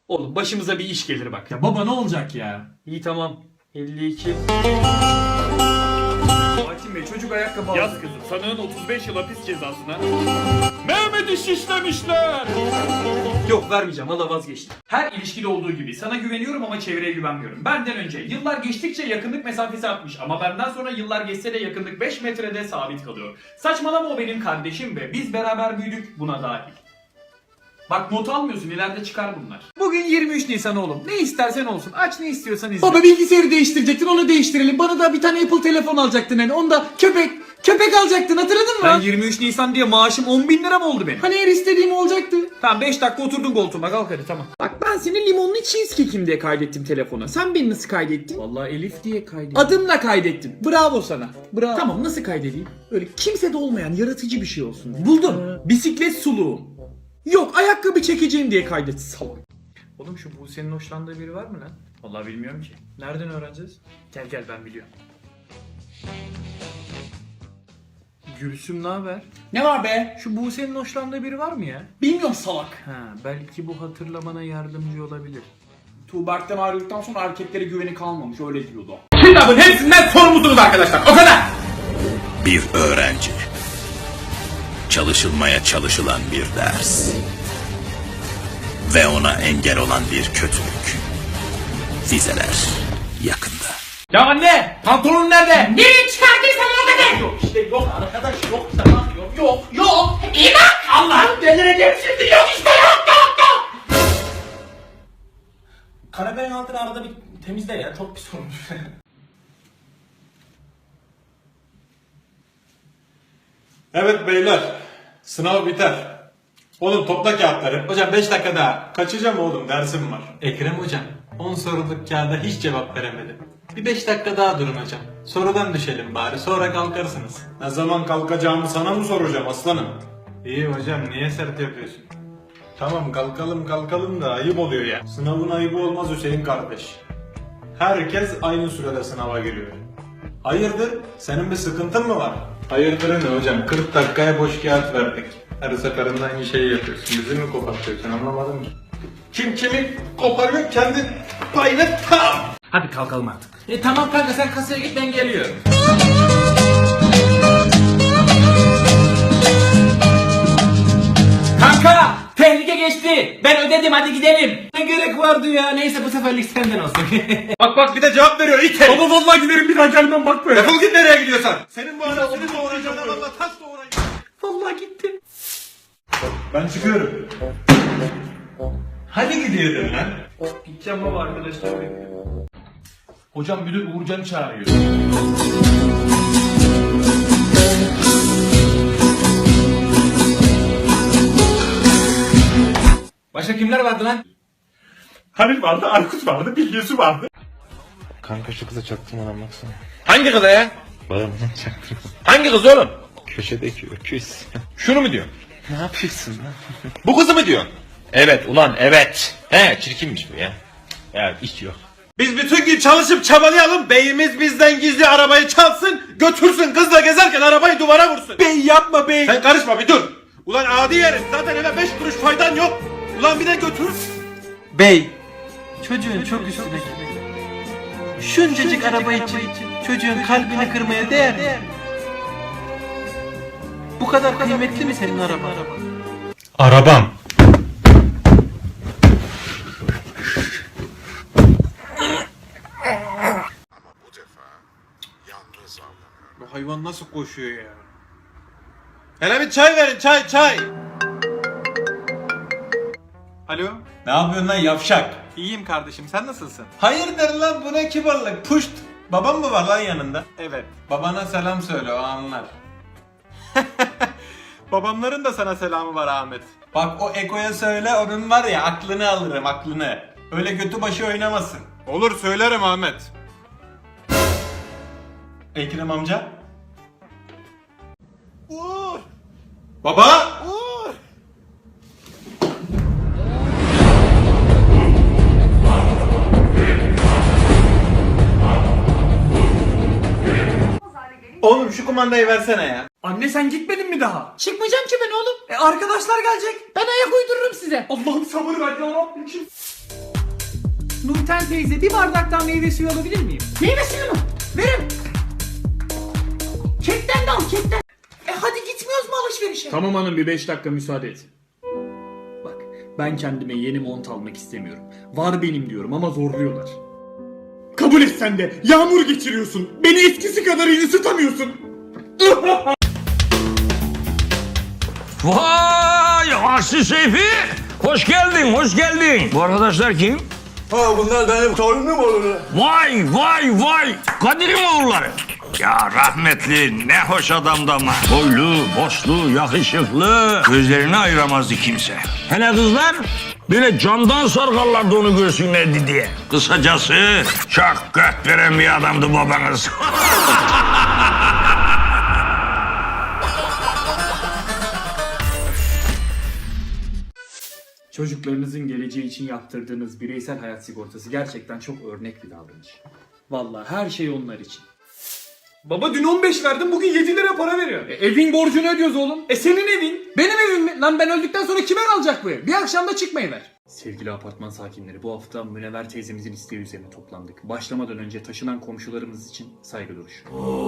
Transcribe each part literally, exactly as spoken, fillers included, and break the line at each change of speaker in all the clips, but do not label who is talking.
Oğlum başımıza bir iş gelir bak.
Ya baba ne olacak ya?
İyi tamam. elli iki. Hakim Bey çocuk ayakkabı aldı.
Yaz kızım sanığın otuz beş yıl hapis cezasına. Mehmet'i şişlemişler.
Yok vermeyeceğim valla vazgeçtim.
Her ilişkide olduğu gibi sana güveniyorum ama çevreye güvenmiyorum. Benden önce yıllar geçtikçe yakınlık mesafesi artmış ama benden sonra yıllar geçse de yakınlık beş metrede sabit kalıyor. Saçmalama, o benim kardeşim ve biz beraber büyüdük, buna dahil. Bak not almıyorsun, ileride çıkar bunlar.
Bugün yirmi üç Nisan oğlum. Ne istersen olsun. Aç ne istiyorsan izle.
Baba bilgisayarı değiştirecektin, onu değiştirelim. Bana da bir tane Apple telefon alacaktın hani. Onda köpek, köpek alacaktın, hatırladın mı?
Ben yirmi üç Nisan diye maaşım on bin lira mı oldu benim?
Hani her istediğim olacaktı.
Tamam beş dakika oturdun koltuğuma, kalk hadi tamam.
Bak ben seni limonlu cheesecake'im diye kaydettim telefona. Sen beni nasıl kaydettin?
Vallahi Elif diye kaydettim.
Adımla kaydettim. Bravo sana. Bravo. Tamam, nasıl kaydedeyim? Öyle kimsede olmayan yaratıcı bir şey olsun. Buldum. Bisiklet suluğum. Yok, ayakkabı çekeceğim diye kaydet salak.
Oğlum şu Buse'nin hoşlandığı biri var mı lan?
Vallahi bilmiyorum ki.
Nereden öğreneceğiz? Gel gel ben biliyorum. Gülsüm ne haber?
Ne var be?
Şu Buse'nin hoşlandığı biri var mı ya?
Bilmiyorum salak.
Ha, belki bu hatırlamana yardımcı olabilir.
Tuğberk'ten ayrıldıktan sonra erkeklere güveni kalmamış, öyle diyordu.
Kitabın hepsinden sorumlusunuz arkadaşlar, o kadar.
Bir öğrenci. Çalışılmaya çalışılan bir ders. Ve ona engel olan bir kötülük. Vizeler yakında.
Ya anne, pantolon nerede?
Nereye çıkardıysan orada de.
Yok işte yok arkadaş, yok tamam yok yok yok. İyi bak, Allah'ım delireceğim şimdi, yok işte yok yok yok.
Karabiberin altını arada bir temizle ya, çok pis olmuş.
Evet beyler, sınav biter. Oğlum topla kağıtları. Hocam beş dakika daha. Kaçacağım oğlum, dersim var. Ekrem hocam, on soruluk kağıda hiç cevap veremedim. Bir beş dakika daha durun hocam. Sorudan düşelim bari, sonra kalkarsınız. Ne zaman kalkacağımı sana mı soracağım aslanım? İyi hocam, niye sert yapıyorsun? Tamam kalkalım kalkalım da ayıp oluyor ya. Sınavın ayıbı olmaz Hüseyin kardeş. Herkes aynı sürede sınava giriyor. Hayırdır? Senin bir sıkıntın mı var? Hayırdır ne hocam? kırk dakikaya boş kağıt verdik. Her seferinde aynı şeyi yapıyorsun. Bizi mi kopartıyorsun, anlamadım ki. Kim kimi koparıyor kendi payını tam.
Hadi kalkalım artık. E tamam kanka, sen kasaya git, ben geliyorum. Kanka, tehlike geçti. Ben ödedim, hadi gidelim. Ne gerek vardı ya? Neyse bu seferlik senden olsun.
Bak bak bir de cevap veriyor ite.
Baba vallahi giderim, bir daha gelmem bak böyle.
Defol git nereye gidiyorsan. Senin bu anasını doğuracağına valla taş doğurayım.
Vallahi gitti.
Ben çıkıyorum. Hadi gidiyordun lan.
Gideceğim baba, arkadaşlar bekliyor.
Hocam müdür Uğurcan'ı çağırıyor.
Başka kimler vardı lan?
Halil vardı, Aykut vardı, Bilgesi vardı.
Kanka şu kıza çaktırmadan baksana.
Hangi kıza ya?
Bağımdan çaktırma.
Hangi kız oğlum?
Köşedeki öküz.
Şunu mu diyorsun?
Ne yapıyorsun lan?
Bu kızı mı diyorsun? Evet ulan evet. He çirkinmiş bu ya. Ya hiç yok.
Biz bütün gün çalışıp çabalayalım. Beyimiz bizden gizli arabayı çalsın. Götürsün kızla gezerken arabayı duvara vursun. Bey yapma bey. Sen karışma bir dur. Ulan adi herif, zaten eve beş kuruş faydan yok. Ulan bir de götür.
Bey, çocuğun çok üstüne şuncacık araba için çocuğun kalbini kırmaya değer mi? Bu kadar kıymetli mi senin araba?
Arabam. Bu hayvan nasıl koşuyor ya? Hele bir çay verin, çay çay. Alo. Ne yapıyorsun lan yavşak?
İyiyim kardeşim, sen nasılsın?
Hayırdır lan, bu ne kibarlık? Puşt. Babam mı var lan yanında? Evet. Babana selam söyle, o anlar.
Babamların da sana selamı var Ahmet.
Bak o Eko'ya söyle, onun var ya aklını alırım, aklını. Öyle götü başı oynamasın.
Olur söylerim Ahmet.
Ekrem amca. Uğur. Baba. Uğur. Oğlum şu kumandayı versene ya.
Anne sen gitmedin mi daha?
Çıkmayacağım ki ben oğlum.
E arkadaşlar gelecek.
Ben ayak uydururum size.
Allah'ım sabır ver ya Rabbim. Nurten teyze bir bardaktan meyve suyu alabilir miyim?
Meyve suyu mu? Verin. Kekten de al kekten. E hadi gitmiyoruz mu alışverişe?
Tamam hanım bir beş dakika müsaade et. Bak ben kendime yeni mont almak istemiyorum. Var benim diyorum ama zorluyorlar. Kabul et sen de. Yağmur geçiriyorsun. Beni eskisi kadar iyi ısıtamıyorsun.
Vay Aksi Seyfi! Hoş geldin, hoş geldin. Bu arkadaşlar kim?
Ha bunlar benim torunum olur.
Vay, vay, vay! Kadir'in oğulları. Ya rahmetli ne hoş adamdı ama. Boylu, boslu, yakışıklı. Gözlerini ayıramazdı kimse. Hele kızlar böyle camdan sarkarlardı onu görsünlerdi diye. Kısacası çok göt veren bir adamdı babanız.
Çocuklarınızın geleceği için yaptırdığınız bireysel hayat sigortası gerçekten çok örnek bir davranış. Vallahi her şey onlar için. Baba dün on beş verdim bugün yedi lira para veriyor. E, evin borcunu ödüyoruz oğlum. E senin evin. Benim evim mi? Lan ben öldükten sonra kime kalacak bu ev? Bir akşamda çıkmayı ver. Sevgili apartman sakinleri bu hafta Münevver teyzemizin isteği üzerine toplandık. Başlamadan önce taşınan komşularımız için saygı duruşu.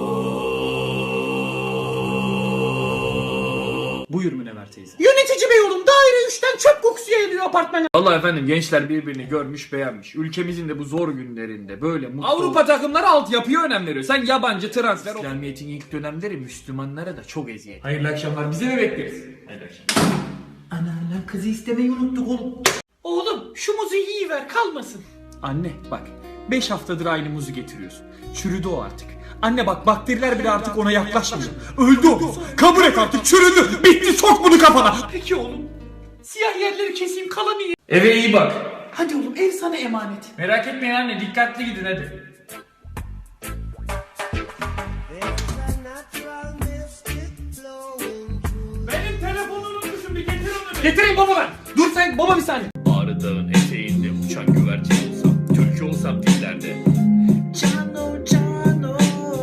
Buyur Münevver teyze.
Yönetici bey oğlum daire üçten çöp kokusu yayılıyor apartmana.
Allah efendim gençler birbirini görmüş beğenmiş. Ülkemizin de bu zor günlerinde böyle mutlu...
Avrupa takımları altyapıya önem veriyor. Sen yabancı transfer ol.
İslamiyet'in ilk dönemleri Müslümanlara da çok eziyet.
Hayırlı akşamlar. Bize mi bekleriz? Hayırlı akşamlar.
Ana lan kızı istemeyi unuttuk oğlum. Oğlum şu muzu yiyiver kalmasın.
Anne bak beş haftadır aynı muzu getiriyorsun. Çürüdü o artık. Anne bak bakteriler bile artık ona yaklaşmıyor. Öldü o. Kabul et artık çürüdü. Bitti sok bunu kafana.
Peki oğlum. Siyah yerleri keseyim kalanı ye.
Eve iyi bak.
Hadi oğlum ev sana emanet.
Merak etmeyin anne. Dikkatli gidin hadi. Benim telefonumu unutmuşum. Bir getir onu.
Getireyim baba ben. Dur sen baba bir saniye.
Ağrı Dağı'nın eteğinde uçan güvercin olsam, türkü olsam dillerde.
Cano cano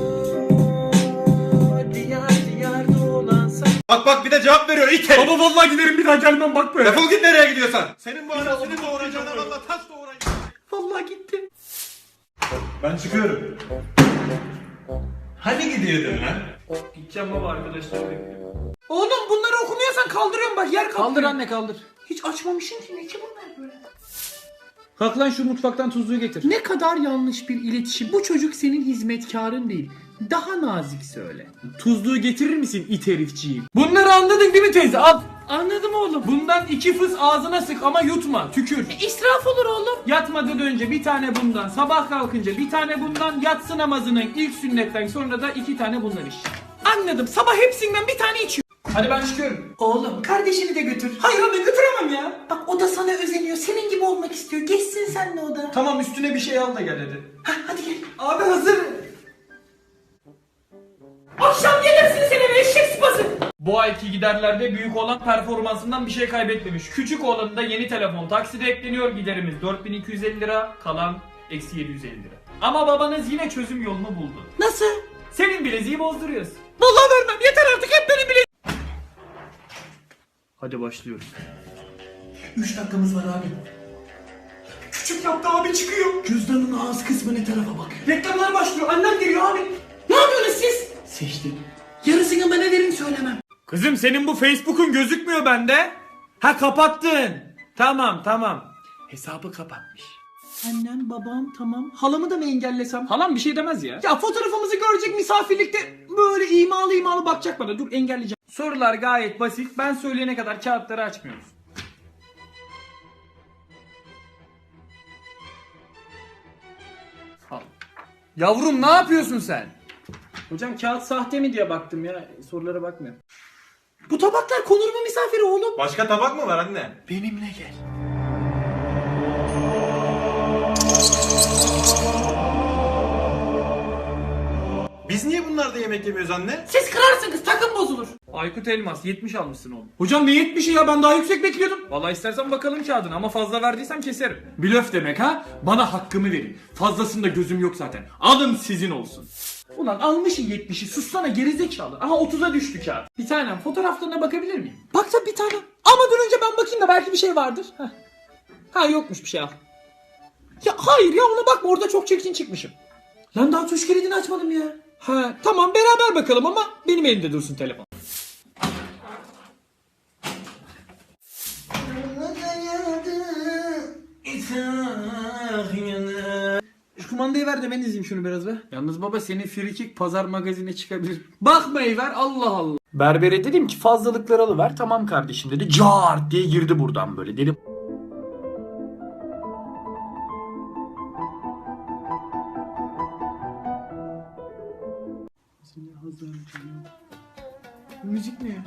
diyar diyar dolansa.
Bak bak bir de cevap veriyor it herif.
Baba vallahi giderim bir daha gelmem bak böyle.
Defol git nereye gidiyorsan. Senin bu anasını doğuracağına valla taş doğurayım.
Vallahi gitti.
Ben çıkıyorum. Hani gidiyordun lan?
Gideceğim baba arkadaşlar bekliyor.
Oğlum bunları okumuyorsan kaldırıyorum bak yer kaplıyor.
Kaldır anne kaldır.
Hiç açmamışım ki ne ki bunlar böyle.
Kalk lan şu mutfaktan tuzluğu getir.
Ne kadar yanlış bir iletişim. Bu çocuk senin hizmetkarın değil. Daha nazik söyle.
Tuzluğu getirir misin it herifciğim? Bunları anladın değil mi teyze? Al.
Anladım oğlum.
Bundan iki fıs ağzına sık ama yutma. Tükür.
İsraf olur oğlum.
Yatmadan önce bir tane bundan, sabah kalkınca bir tane bundan, yatsı namazının ilk sünnetten sonra da iki tane bundan iç.
Anladım. Sabah hepsinden bir tane içiyor.
Hadi ben çıkıyorum.
Oğlum kardeşini de götür.
Hayır anne götüremem ya.
Bak o da sana özeniyor. Senin gibi olmak istiyor. Geçsin senle o da.
Tamam üstüne bir şey al da gel hadi.
Hah, hadi gel.
Abi hazır.
Akşam gelirsin seni be eşek sıpası.
Bu ayki giderlerde büyük olan performansından bir şey kaybetmemiş. Küçük olanında yeni telefon takside ekleniyor, giderimiz dört bin iki yüz elli lira, kalan eksi yedi yüz elli lira. Ama babanız yine çözüm yolunu buldu.
Nasıl?
Senin bileziği bozduruyoruz.
Vallahi vermem. Yeter artık hep benim bile.
Hadi başlıyoruz.
Üç dakikamız var abi.
Küçük yaptı abi çıkıyor.
Cüzdanın ağız kısmı ne tarafa bakıyor?
Reklamlar başlıyor, annem geliyor abi.
Ne yapıyorsunuz siz? Seçtim. Yarısını ben ederim söylemem.
Kızım senin bu Facebook'un gözükmüyor bende. Ha kapattın. Tamam tamam.
Hesabı kapatmış. Annem, babam tamam. Halamı da mı engellesem?
Halam bir şey demez ya.
Ya fotoğrafımızı görecek misafirlikte böyle imalı imalı bakacak bana. Dur engelleyeceğim.
Sorular gayet basit. Ben söyleyene kadar kağıtları açmıyoruz.
Al. Yavrum ne yapıyorsun sen?
Hocam kağıt sahte mi diye baktım ya. Sorulara bakmıyorum.
Bu tabaklar konur mu misafire oğlum?
Başka tabak mı var anne?
Benimle gel.
Biz niye bunlarda yemek yemiyoruz anne?
Siz kırarsınız takım bozulur.
Aykut Elmas yetmiş almışsın oğlum.
Hocam ne yetmişi ya ben daha yüksek bekliyordum.
Vallahi istersen bakalım kağıdına ama fazla verdiysem keserim.
Blöf demek ha? Bana hakkımı verin. Fazlasında gözüm yok zaten. Alın sizin olsun. Ulan almışsın yetmişi, sussana gerizekalı. Aha otuza düştü kağıt. Bir tanem fotoğraflarına bakabilir miyim?
Bak tabii bir tane. Ama dur önce ben bakayım da belki bir şey vardır. Heh. Ha yokmuş bir şey al. Ya hayır ya ona bakma orada çok çirkin çıkmışım. Lan daha tuş kilidini açmadım ya. Ha tamam beraber bakalım ama benim elimde dursun telefon. Şu kumandayı ver de ben izleyeyim şunu biraz be.
Yalnız baba senin frikik pazar magazine çıkabilir. Bakmayı ver Allah Allah. Berbere dedim ki fazlalıkları alıver. Tamam kardeşim dedi. Cart diye girdi buradan böyle. Dedim
Müzik ne ya?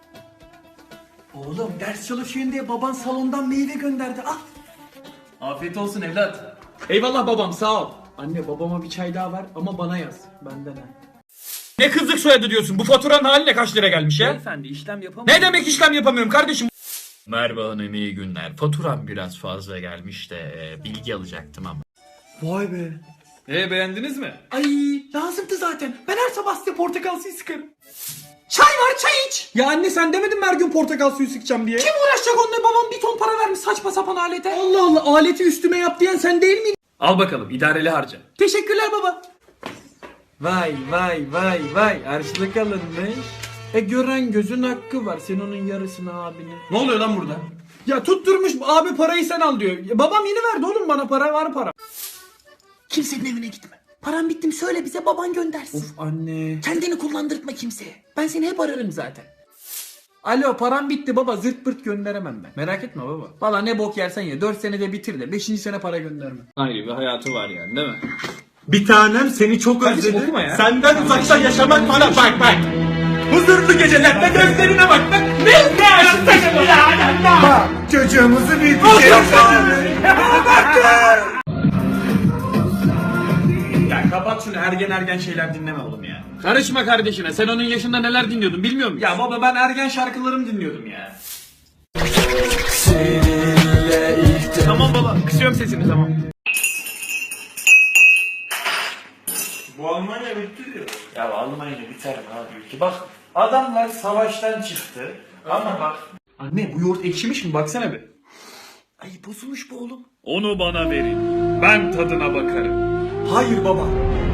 Oğlum ders çalışıyorsun diye baban salondan meyve gönderdi. Al.
afiyet olsun evlat. Eyvallah babam sağ ol. Anne babama bir çay daha ver ama bana yaz. Benden ha. Ne kızlık soyadı diyorsun? Bu faturanın haline kaç lira gelmiş ya? Beyefendi işlem yapamıyorum. Ne demek işlem yapamıyorum kardeşim?
Merhaba hanım iyi günler. Faturam biraz fazla gelmiş de e, bilgi alacaktım ama.
Vay be.
E beğendiniz mi?
Ay lazımdı zaten. Ben her sabah size portakal suyu sıkarım. Çay var çay iç.
Ya anne sen demedin mi her gün portakal suyu sıkacağım diye?
Kim uğraşacak onunla babam bir ton para vermiş saçma sapan alete.
Allah Allah aleti üstüme yap diyen sen değil miydin? Al bakalım idareli harca.
Teşekkürler baba.
Vay vay vay vay harçlık alınmış. E gören gözün hakkı var. Sen onun yarısını abine. Ne oluyor lan burada? Ya tutturmuş abi parayı sen al diyor. Ya babam yeni verdi oğlum bana para var para.
Kimsenin evine gitme. Param bitti mi söyle bize baban göndersin.
Of anne.
Kendini kullandırtma kimseye. Ben seni hep ararım zaten.
Alo param bitti baba zırt pırt gönderemem ben. Merak etme baba. Valla ne bok yersen ye. dört senede bitir de beşinci sene para gönderme. Ayrı bir hayatı var yani değil mi?
Bir tanem seni çok
Kardeşim,
özledim.
okuma ya.
Senden uzakta yaşamak bana bak bak. Huzurlu gecelerde gözlerine bak bak. Ne ne Bak çocuğumuzu büyüteceğiz.
Ya kapat şunu ergen ergen şeyler dinleme oğlum ya. Karışma kardeşine sen onun yaşında neler dinliyordun bilmiyor musun? Ya baba ben ergen şarkılarımı dinliyordum ya. Tamam baba kısıyorum sesini tamam.
Bu Almanya bitti diyor.
Ya Almanya biter mi abi ülke? Bak adamlar savaştan çıktı ama bak.
Anne bu yoğurt ekşimiş mi baksana bir.
Ay bozulmuş bu oğlum.
Onu bana verin. Ben tadına bakarım.
Hayır baba.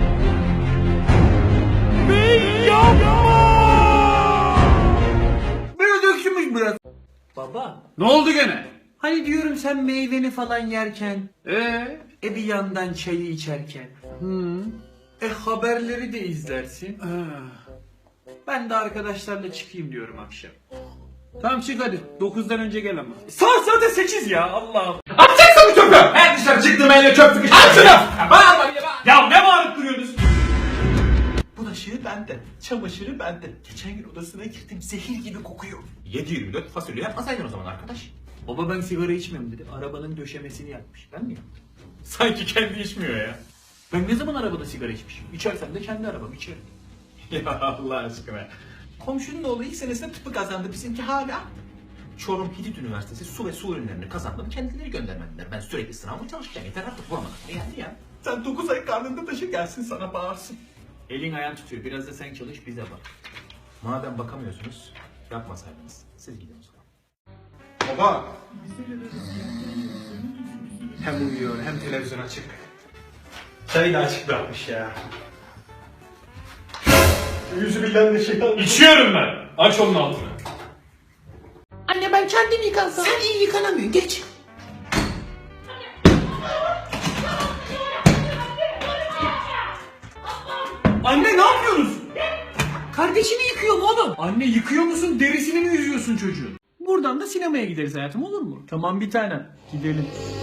Biraz öksümüş biraz. Baba.
Ne oldu gene?
Hani diyorum sen meyveni falan yerken.
Eee?
E bir yandan çayı içerken.
Hı.
E haberleri de izlersin.
Ah.
Ben de arkadaşlarla çıkayım diyorum akşam.
Tamam çık hadi. dokuzdan önce gel ama.
Saat zaten sekiz ya Allah'ım.
Atacaksın bu çöpü! Her dışarı çıktığım elle çöp sıkıştı. At şunu! Bağırma bir de bağır. Ya ne bağırıp duruyorsunuz?
Bulaşığı bende, çamaşırı bende. Geçen gün odasına girdim, zehir gibi kokuyor.
yedi yirmi dört fasulye yapmasaydın o zaman arkadaş.
Baba ben sigara içmiyorum dedi. Arabanın döşemesini yapmış. Ben mi yaptım?
Sanki kendi içmiyor ya.
Ben ne zaman arabada sigara içmişim? İçersem de kendi arabam içerim.
Ya Allah aşkına.
Komşunun oğlu ilk senesinde tıpı kazandı, bizimki hala. Çorum Hitit Üniversitesi su ve su ürünlerini kazandım, kendileri göndermediler. Ben sürekli sınavıma çalışacağım, yeter artık bulamadım. E yani ya. Sen dokuz ay karnında taşı gelsin sana bağırsın.
Elin ayağın tutuyor. Biraz da sen çalış bize bak.
Madem bakamıyorsunuz, yapmasaydınız. Siz gidin o zaman.
Baba. Hem uyuyor hem televizyon açık. Çayı da açık bırakmış ya. Yüzü bilen de şey almış.
İçiyorum ben. Aç onun altını.
Anne ben kendim yıkansam. Sen iyi yıkanamıyorsun. Geç.
Anne ne yapıyorsunuz?
Kardeşini yıkıyorum oğlum.
Anne yıkıyor musun derisini mi yüzüyorsun çocuğun? Buradan da sinemaya gideriz hayatım olur mu? Tamam bir tanem gidelim.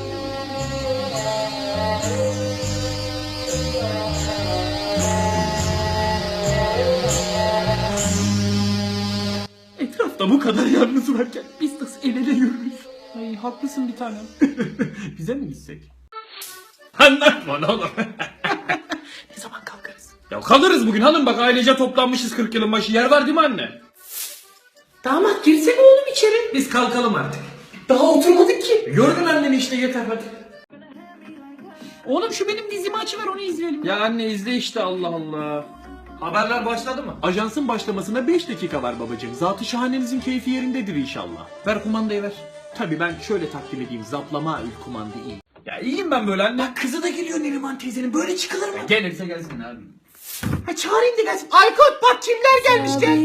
Etrafta bu kadar yalnız varken biz nasıl el ele yürürüz? Ay haklısın bir tanem. Bize mi gitsek? Anlatma oğlum.
Ne zaman kalkarız?
Ya kalırız bugün hanım bak ailece toplanmışız kırk yılın başı yer var değil mi anne?
Damat girsene oğlum içeri.
Biz kalkalım artık.
Daha oturmadık ki.
Gördün anneni işte yeter hadi.
Oğlum şu benim dizimi açıver onu izleyelim.
Ya anne izle işte Allah Allah.
Haberler başladı mı?
Ajansın başlamasına beş dakika var babacığım. Zatı şahanenizin keyfi yerindedir inşallah. Ver kumandayı ver. Tabii ben şöyle takdim edeyim. Zaplama ül kumanda iyi.
Ya iyiyim ben böyle anne.
Bak kızı da geliyor Neriman teyzenin. Böyle çıkılır mı?
Gelirse gelsin abi.
Ha çağırayım da gelsin. Aykut bak kimler gelmiş gel.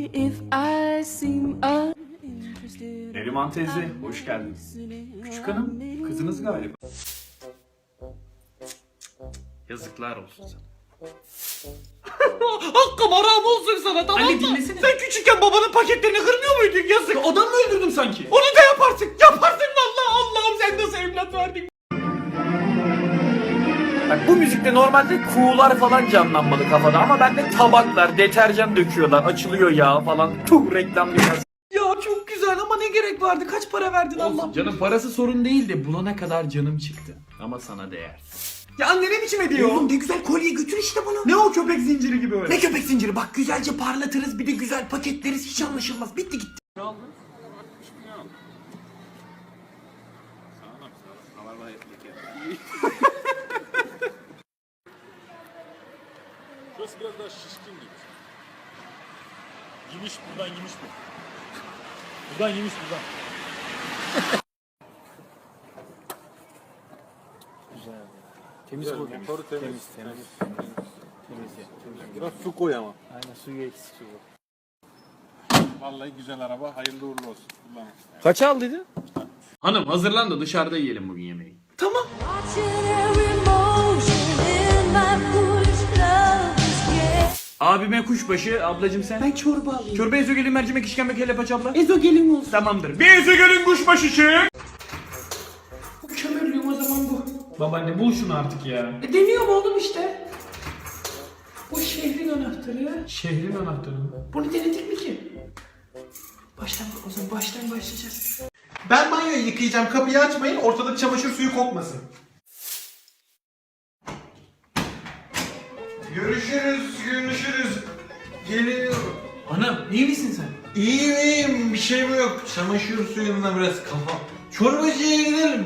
Neriman teyze hoş geldin. Küçük hanım kızınız galiba. Yazıklar olsun sana.
Hakkım haram olsun sana tamam
Anne,
mı?
dinlesene.
Sen küçükken babanın paketlerini kırmıyor muydun yazık?
Adam mı öldürdüm sanki?
Onu da yaparsın. Yaparsın vallahi Allah'ım sen nasıl evlat verdin?
Bak bu müzikte normalde kuğular falan canlanmalı kafada ama bende tabaklar, deterjan döküyorlar, açılıyor yağ falan. Tuh reklam biraz.
Ya çok güzel ama ne gerek vardı? Kaç para verdin Allah?
Olsun canım parası sorun değil de bulana kadar canım çıktı. Ama sana değer.
Ya anne ne biçim ediyor? Oğlum ne güzel kolye götür işte bunu.
Ne o köpek zinciri gibi öyle?
Ne köpek zinciri bak güzelce parlatırız bir de güzel paketleriz hiç anlaşılmaz. Bitti gitti.
Şurası biraz daha şişkin gibi. Yemiş buradan yemiş bu. Buradan yemiş buradan. Temiz bu. Motoru temiz. Temiz, temiz. Temiz, temiz. Biraz su koy ama.
Aynen suyu eksik su.
Vallahi güzel araba. Hayırlı uğurlu olsun. Kullanın.
Kaç aldıydı? Hanım hazırlan da dışarıda yiyelim bugün yemeği.
Tamam.
Abime kuşbaşı, ablacım sen.
Ben çorba alayım.
Çorba ezogelin mercimek işkembe kelle paça abla.
Ezogelin olsun.
Tamamdır. Bir ezogelin kuşbaşı çık.
Bu kömürlüğüm o zaman bu.
Babaanne bul şunu artık ya.
E, deniyorum oğlum işte. Bu şehrin anahtarı.
Şehrin anahtarı mı?
Bunu denedik mi ki? Baştan o zaman baştan başlayacağız.
Ben banyoyu yıkayacağım. Kapıyı açmayın. Ortalık çamaşır suyu kokmasın. Görüşürüz, görüşürüz. Geliyorum.
Anam iyi misin sen?
İyiyim, iyiyim. Bir şey mi yok? Çamaşır suyundan biraz kafa. Çorbacıya gidelim.